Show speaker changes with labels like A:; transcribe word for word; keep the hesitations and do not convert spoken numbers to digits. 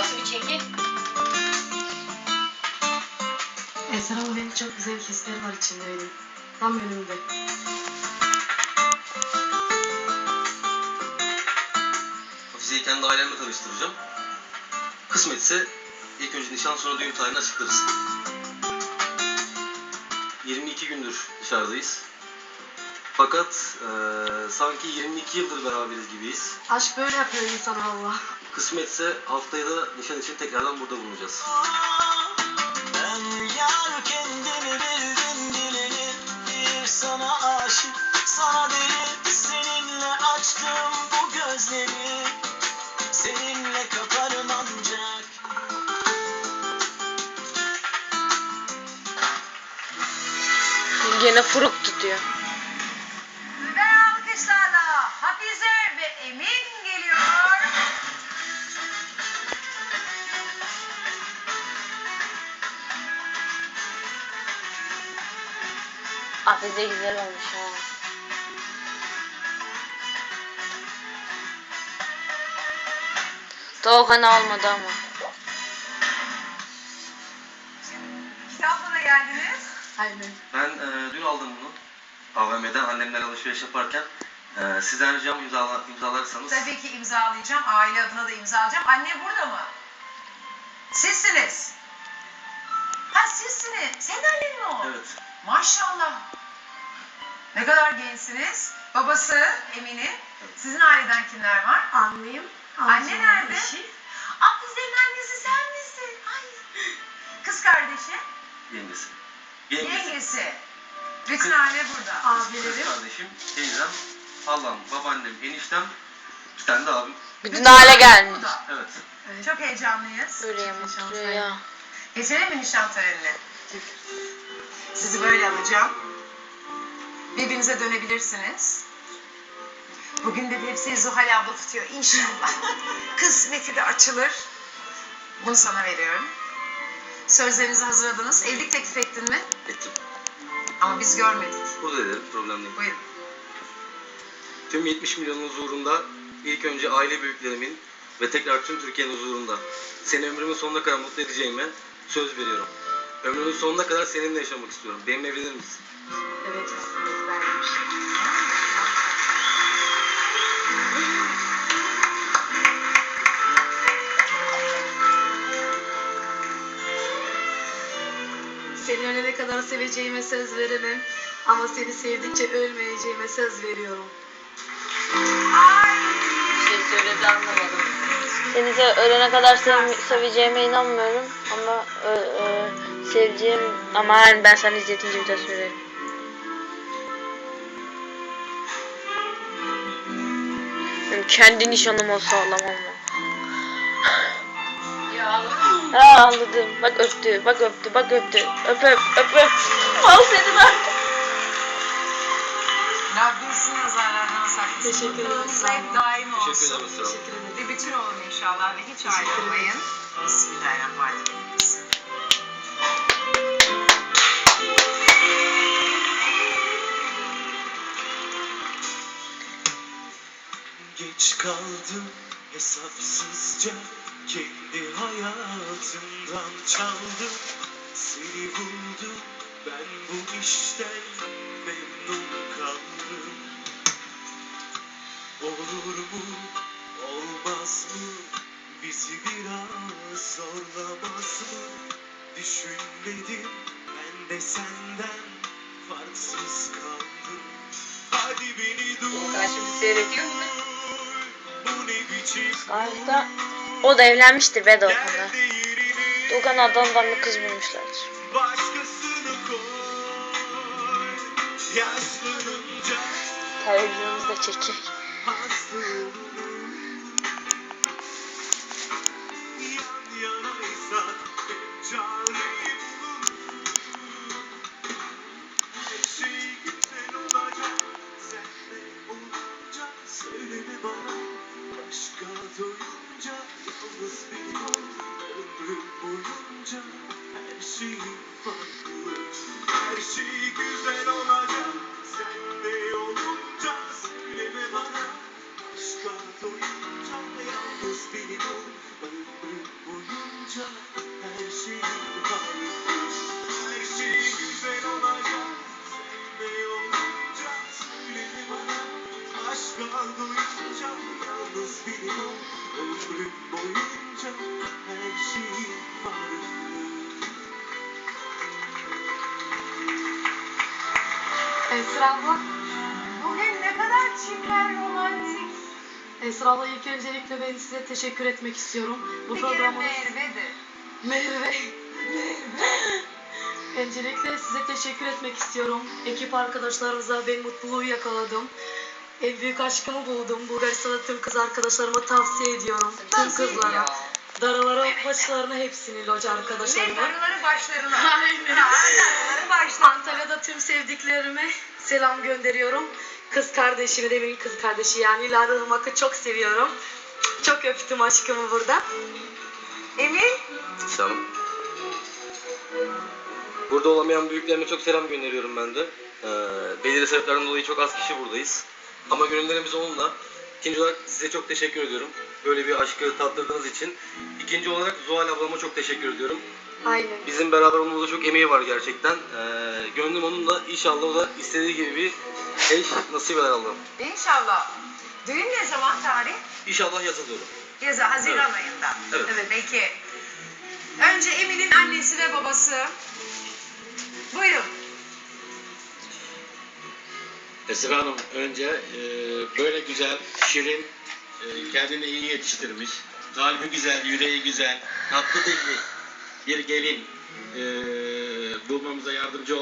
A: Nasıl bir çeki?
B: Eser ama benim çok güzel hisler var içinde benim. Tam önümde.
C: Hafize'yi kendi ailemle tanıştıracağım. Kısmetse ilk önce nişan sonra düğün tarihini açıklarız. yirmi iki gündür dışarıdayız. Fakat e, sanki yirmi iki yıldır beraberiz gibiyiz.
B: Aşk böyle yapıyor insan Allah.
C: Kısmetse haftaya da nişan için tekrardan burada bulunacağız.
D: Ben yar kendimi bildim bileli, bir sana aşık, sana deli. Seninle açtım bu gözleri, seninle kaparım ancak.
E: Gene furuk tutuyor.
A: Ve alkışlarla Hafize ve Emin geliyor.
E: Hafize güzel olmuş ha. Doğukan almadı ama.
A: Kitapla da geldiniz.
B: Aynen.
C: Ben e, dün aldım bunu. A V M'den annemler alışveriş yaparken. E, sizden ricam imzala, imzalarsanız.
A: Tabii ki imzalayacağım. Aile adına da imzalayacağım. Anne burada mı? Sizsiniz. Ha sizsiniz. Senin annen mi o?
C: Evet.
A: Maşallah. Ne kadar gençsiniz. Babası Emin'in. Sizin aileden kimler var?
B: Anlayayım.
A: Anne nerede? Hafize'nin annesi sen misin? Ay. Kız kardeşi?
C: Yengesi. Yengesi.
A: Yengesi. Bütün aile burada.
C: Kız
B: Abilerim.
C: kardeşim, teyzem, halam, babaannem, eniştem, bir tane de abim.
E: Bütün hale gelmiş.
A: burada.
C: Evet.
B: Evet.
A: Çok heyecanlıyız.
E: Öyle mutlu ya.
A: Geçelim mi nişan törenine? Sizi böyle alacağım. Birbirinize dönebilirsiniz. Bugün de hepsi Zuhal abla tutuyor inşallah. Kısmeti de açılır. Bunu sana veriyorum. Sözlerinizi hazırladınız. Evlilik teklif ettin mi?
C: Ettim.
A: Ama biz görmedik.
C: Burada ederim, problem değil.
A: Buyurun.
C: Tüm yetmiş milyonun huzurunda, ilk önce aile büyüklerimin ve tekrar tüm Türkiye'nin huzurunda seni ömrümün sonuna kadar mutlu edeceğime söz veriyorum. Ömrümün sonuna kadar seninle yaşamak istiyorum. Benimle evlenir misin?
B: Evet. Evet vermiş. Seni ölene kadar seveceğime söz veremem. Ama seni sevdikçe ölmeyeceğime söz veriyorum.
E: Bir şey söyledi anlamadım. Seni se- ölene kadar sev- seveceğime inanmıyorum ama ö- ö, seveceğim ama yani ben sana izletince bir daha söylerim. Benim kendi nişanım olsa ağlamam ama.
A: Ya ağladın mı?
E: Ha ağladım. Bak öptü, bak öptü, bak öptü. Öp öp, öp öp. Al senin artık.
A: Rabbim sizin nazarlardan saklasın.
B: Teşekkür ederim.
A: Mutluluğunuz hep daim olsun.
C: Teşekkür ederim. Sağ olun.
B: Teşekkür ederim.
A: Bir bütün olun inşallah ve hiç ayrılmayın. Bismillahirrahmanirrahim.
D: Geç kaldım hesapsızca, kendi hayatımdan çaldım. Seni buldum, ben bu işten memnun kaldım. Olur mu, olmaz mı, bizi biraz zorlamaz mı? Düşünmedim, ben de senden farksız kaldım. Hadi beni dur.
A: Karşımda seyrediyor mu?
D: Bu ne biçim
E: Galiba o da evlenmiştir be Doğukan'la.
D: yerde yerini
E: Doğukan adamdan bir kız bulmuşlardır.
D: başkasını koy. Yaşlanınca
E: Televizyonumuzda çekecek.
D: hasta olurum. Yan yanaysak hep çareyi buluruz. Her şey güzel olacak. Senle olunca söyleme bana. Başka doyunca yalnız benim ol. Ömrüm boyunca her şeyim farklı. Her şey güzel olacak. Senle olunca söyleme bana. Başka ömrüm boyunca her şeyim vardı.
B: Esra abla.
A: Bugün ne kadar çiftler romantik.
B: Esra abla ilk öncelikle ben size teşekkür etmek istiyorum. Bu
A: Bir kere
B: programı
A: Merve'dir.
B: Merve. Öncelikle size teşekkür etmek istiyorum. Ekip arkadaşlarımıza ben mutluluğu yakaladım. En büyük aşkımı buldum. Bulgaristan'da tüm kız arkadaşlarıma tavsiye ediyorum. Tüm kızlara. Darılara, başlarına hepsini loca
A: Ne
B: arkadaşlarıma.
A: darıları başlarına.
B: Aynen.
A: Ha, darıları başlarına.
B: Antalya'da tüm sevdiklerime selam gönderiyorum. Kız kardeşimi de benim kız kardeşi yani Lara Irmak'ı çok seviyorum. Çok öptüm aşkımı burada.
A: Emin?
C: Selam. Burada olamayan büyüklerime çok selam gönderiyorum ben de. Ee, belirli sebeplerden dolayı çok az kişi buradayız. Ama gönüllerimiz onunla. İkinci olarak size çok teşekkür ediyorum. Böyle bir aşkı tattırdığınız için. İkinci olarak Zuhal ablama çok teşekkür ediyorum.
B: Aynen.
C: Bizim beraber olmamızda çok emeği var gerçekten. Ee, gönlüm onunla, inşallah o da istediği gibi bir eş nasip eder Allah'ım.
A: İnşallah. Düğün ne zaman tarih?
C: İnşallah yaza doğru.
A: Yazı Haziran
C: Evet.
A: ayında.
C: Evet.
A: Peki. Önce Emin'in annesi ve babası. Buyurun.
F: Esra Hanım önce e, böyle güzel, şirin, e, kendini iyi yetiştirmiş, kalbi güzel, yüreği güzel, tatlı dilli bir gelin e, bulmamıza yardımcı